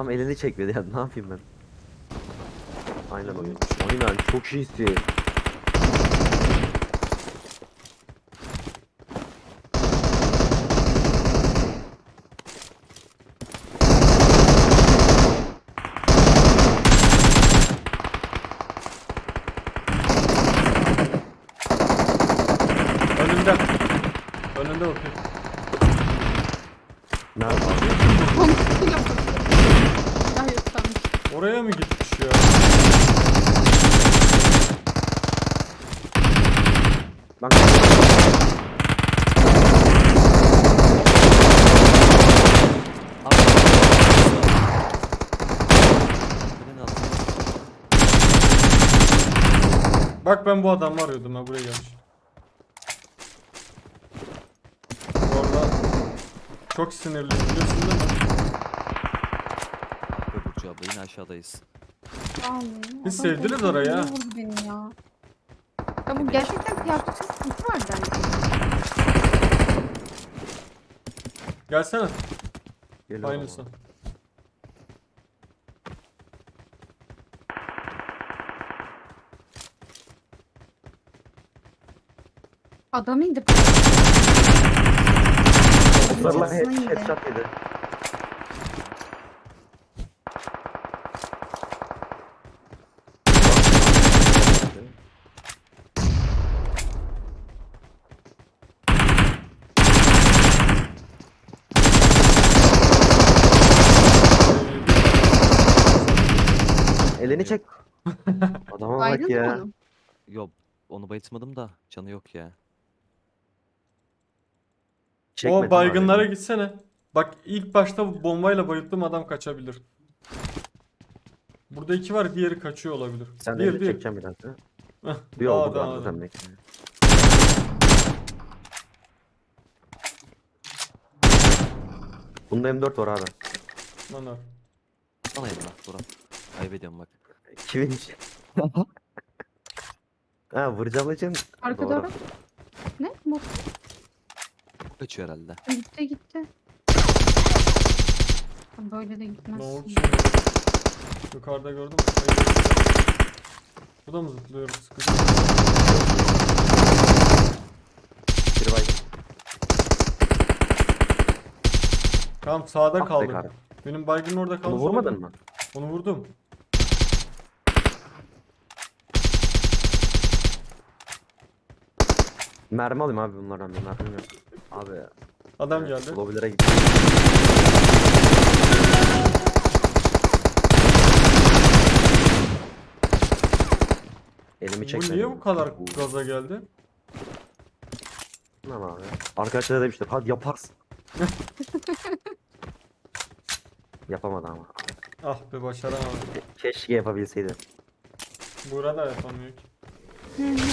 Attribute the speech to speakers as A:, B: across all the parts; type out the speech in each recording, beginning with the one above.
A: Adam elini çekmedi ya, ne yapayım ben? Aynen oyun. Aynen çok iyisin.
B: Önünde. Önünde bakıyor.
A: Nerede abi?
C: Kontrol yapalım. Daha yok sanmış.
B: Oraya mı gitmiş ya?
A: Ben
D: Abi. Beni al.
B: Bak ben bu adamı arıyordum ha, buraya gelmiş. Bu arada çok sinirli biliyorsun değil mi?
D: Burcu abla yine aşağıdayız.
C: Vallahi.
B: Biz
C: Adam
B: sevdiniz
C: korkuyor,
B: orayı ha.
C: niye vurdu beni ya? Ya bu gerçekten kıyafetin sıkıntı var bence.
B: Gelsene.
A: geliyorum
B: Aynısı.
A: ama.
C: Adam indi.
A: Sarılan
C: Çatısına indi.
A: headshot yedi. Elini çek. Adama bak
C: Baydın mı
A: ya.
C: onu?
D: Yok onu bayıltmadım da canı yok ya.
A: Çekmedim
B: O baygınlara
A: abi.
B: gitsene. Bak ilk başta bu bombayla bayılttığım adam kaçabilir. Burada iki var, diğeri kaçıyor olabilir.
A: Sen de
B: Bir
A: elini
B: bir.
A: çekeceğim bir dakika.
B: Heh,
A: Bir oldu
B: adam,
A: zaten
B: adam.
A: sen bekle. Bunda M4 var abi.
B: Lan abi.
D: Bana yedin bak Burak. Kaybediyorum bak.
A: Kimin için? Ha vuracağım için.
C: Arka
A: Doğru.
C: doğru. Ne? Bot
D: Kaçıyor herhalde.
C: gitti gitti. Böyle de gitmez.
B: Ne oldu şimdi? Yukarıda gördüm. Hayır. Bu da mı zıplıyor? Sıkıntı.
A: Bir baygın.
B: Tamam sağda
A: Ah be
B: kaldı.
A: kardeşim.
B: Benim baygın orada kaldı.
A: Onu vurmadın mı?
B: Onu vurdum.
A: Mermi alayım abi bunlardan, bir mermim yok. Abi.
B: Adam geldi.
A: Lobilere gitti. Elimi
B: Bu
A: çekmedim.
B: niye bu kadar gaza geldi?
A: Tamam abi. Arkadaşlar demişler hadi yaparsın. Yapamadı ama.
B: Ah be, başaramadım.
A: Keşke yapabilseydi.
B: Burada yapamıyor ki.
C: Hı hı.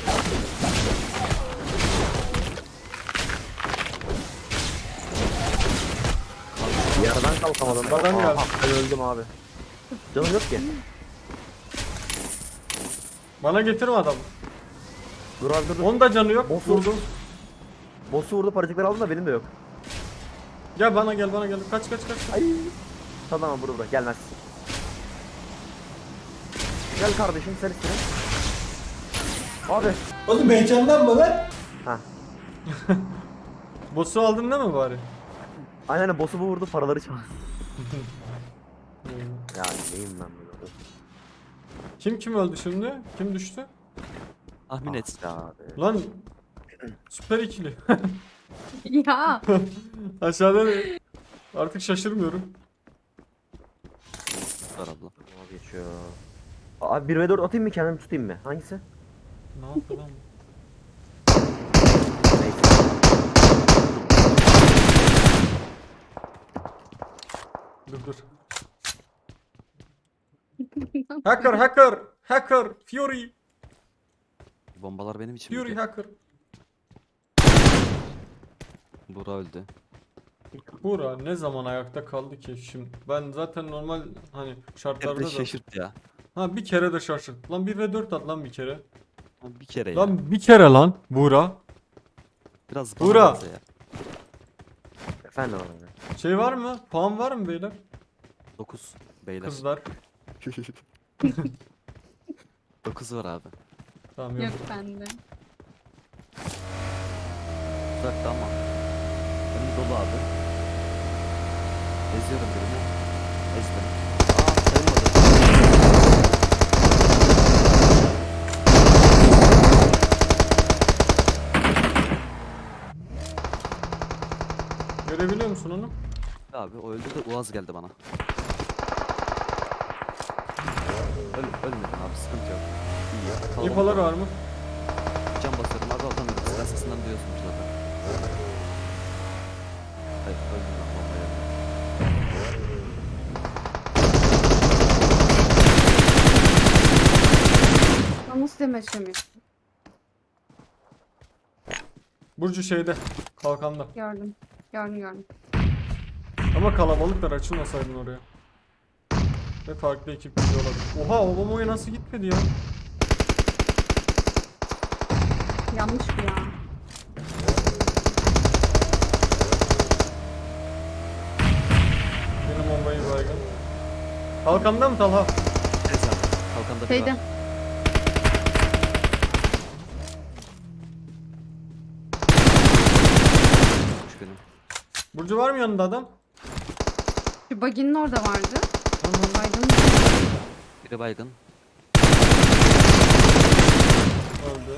A: Yerden kalkamadım.
B: Adam geldi.
A: Ben öldüm abi. Canım yok ki.
B: Bana getirme adamı.
A: Dur abi dur dur.
B: Onun da canı yok.
A: Boss
B: Vurdum.
A: vurdu. Boss'u vurdu, paracıkları aldım da benim de yok.
B: Gel bana gel bana gel. Kaç kaç kaç.
A: Ay. Tamam burada bırak, gelmez. Gel kardeşim sen istedin. Abi.
E: Oğlum heyecanlanma lan.
A: Ha.
B: Boss'u aldın değil mi bari?
A: Aynen boss'u bu vurdu, paraları çaldı. Ya neyim ben böyle?
B: Kim öldü şimdi? Kim düştü?
D: Tahmin et.
A: Ah abi.
B: Lan süper ikili.
C: Ya.
B: Aşağıda artık şaşırmıyorum.
D: Var abla.
A: Abi geçiyor. Abi 1v4 atayım mı, kendimi tutayım mı? Hangisi?
B: Ne yaptı lan bu?
A: Neyse.
B: Dur. Hacker. Fury.
D: Bombalar benim için.
B: Fury hacker.
D: Burak öldü.
B: Buğra ne zaman ayakta kaldı ki şimdi? Ben zaten normal hani şartlarda
D: Nerede
B: da...
D: şaşırt ya.
B: Ha bir kere de şaşırt. Lan 1 ve 4 at lan bir kere.
D: Lan bir kere ya.
B: Lan bir kere lan Buğra.
D: Biraz
B: Buğra.
D: bana benze ya.
A: Efendim abi.
B: Şey var mı? Puan var mı beyler?
D: 9 beyler.
B: Kızlar.
D: 9 var abi.
B: Tamam yok.
C: Yok bende.
D: Uzakta ama. Önüm dolu abi. Eziyorum birini. Ezdim. Aa sayılmadı.
B: Görebiliyor musun onu?
D: Abi o öldü de Uaz geldi bana. Ölmedim abi sıkıntı yok. İyi. Kalabalık
B: İnfolar var mı?
D: Can basıyorum abi atamıyorum. Silah sesinden duyuyorsunuz zaten. Hayır öldüm ben bombaya.
C: Lan nasıl demeçlemiyorsun?
B: Burcu şeyde. Kalkanda.
C: Gördüm. Gördüm.
B: Ama kalabalıklar, açılmasaydın oraya. Ve farklı ekip gidiyor olabilir. Oha, o bomboya nasıl gitmedi ya?
C: Yanlış bu ya.
B: Benim bombayı baygın. Kalkanda mı Talha?
D: Evet abi. Kalkanda bir
C: Şeyde.
D: var. Üç benim.
B: Burcu var mı yanında adam?
C: Şu baginin orada vardı.
B: Tamam.
C: Baydın.
D: Biri baygın.
B: Öldü.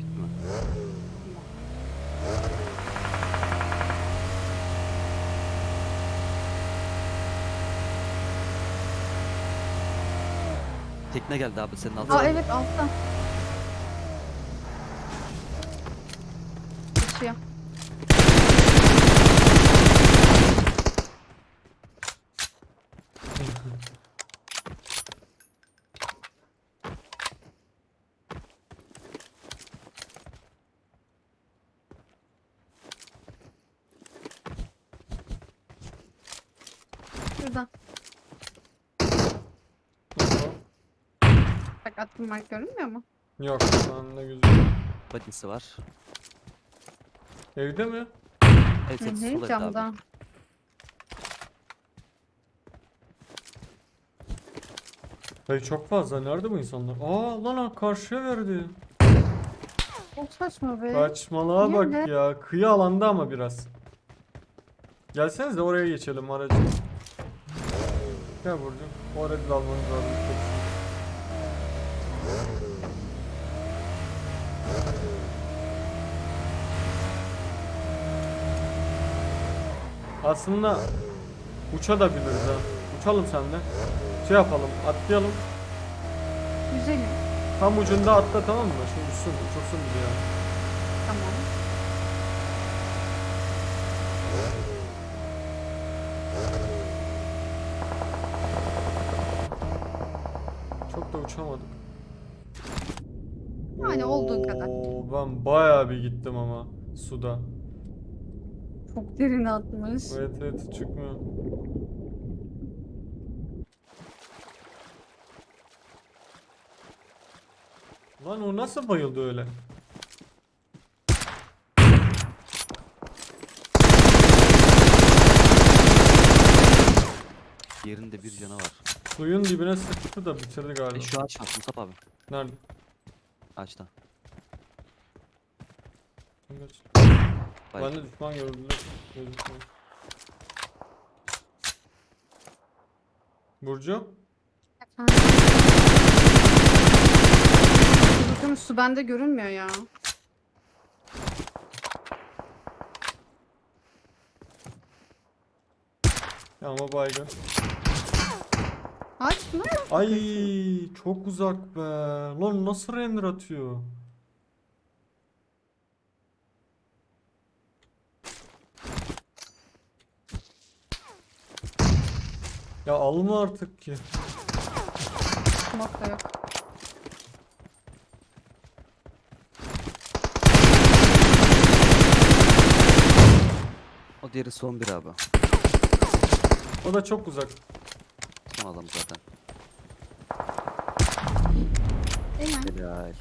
D: Tekne geldi abi senin altına.
C: Aa evet altta. Geçiyor. Şurada.
B: Oha.
C: Bak attım mark görünmüyor mu?
B: Yok, şu anda gözüküyor.
D: Badisi var.
B: Evde mi?
D: Evet evet sol evde
C: Camda.
D: abi.
B: Dayı çok fazla. Nerede bu insanlar? Aa lan karşıya verdi.
C: Çok saçma be.
B: Saçmalığa
C: Niye
B: bak
C: öyle?
B: ya. Kıyı alanda ama biraz. Gelseniz de oraya geçelim aracı. Gel Burcu. O aracı da almanız lazım. Aslında uçabiliriz ha. Uçalım senle. Şey yapalım, atlayalım.
C: Güzelim.
B: Tam ucunda atla, tamam mı? Şimdi uçursun bizi ya.
C: Tamam.
B: Çok da uçamadık.
C: Yani olduğu kadar.
B: Oo, ben bayağı bir gittim ama suda.
C: Çok derin atmış.
B: Evet evet, çıkmıyor. Lan o nasıl bayıldı öyle?
D: Yerinde bir canı var.
B: Suyun dibine sıktı da bitirdi galiba.
D: Şu ağaç var Musab abi.
B: Nerede?
D: Ağaçta.
B: Kaç.
D: Bay.
B: Ben de düşman gördüler. Gözükmüyor. Burcu?
C: Efendim? Bakın su bende görünmüyor ya.
B: Ya ama baygın.
C: Ağaç mı?
B: Ay çok uzak be. Lan nasıl render atıyor? Ya alma artık ki.
C: Smoke da yok.
D: O diğeri son bir abi.
B: O da çok uzak.
D: Son adam zaten.
C: Değil mi?
D: Helal.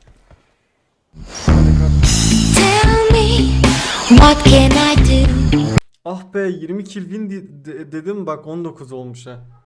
F: Tell me, what can I do?
B: Ah be, 20 kill win dedim, bak 19 olmuş ha.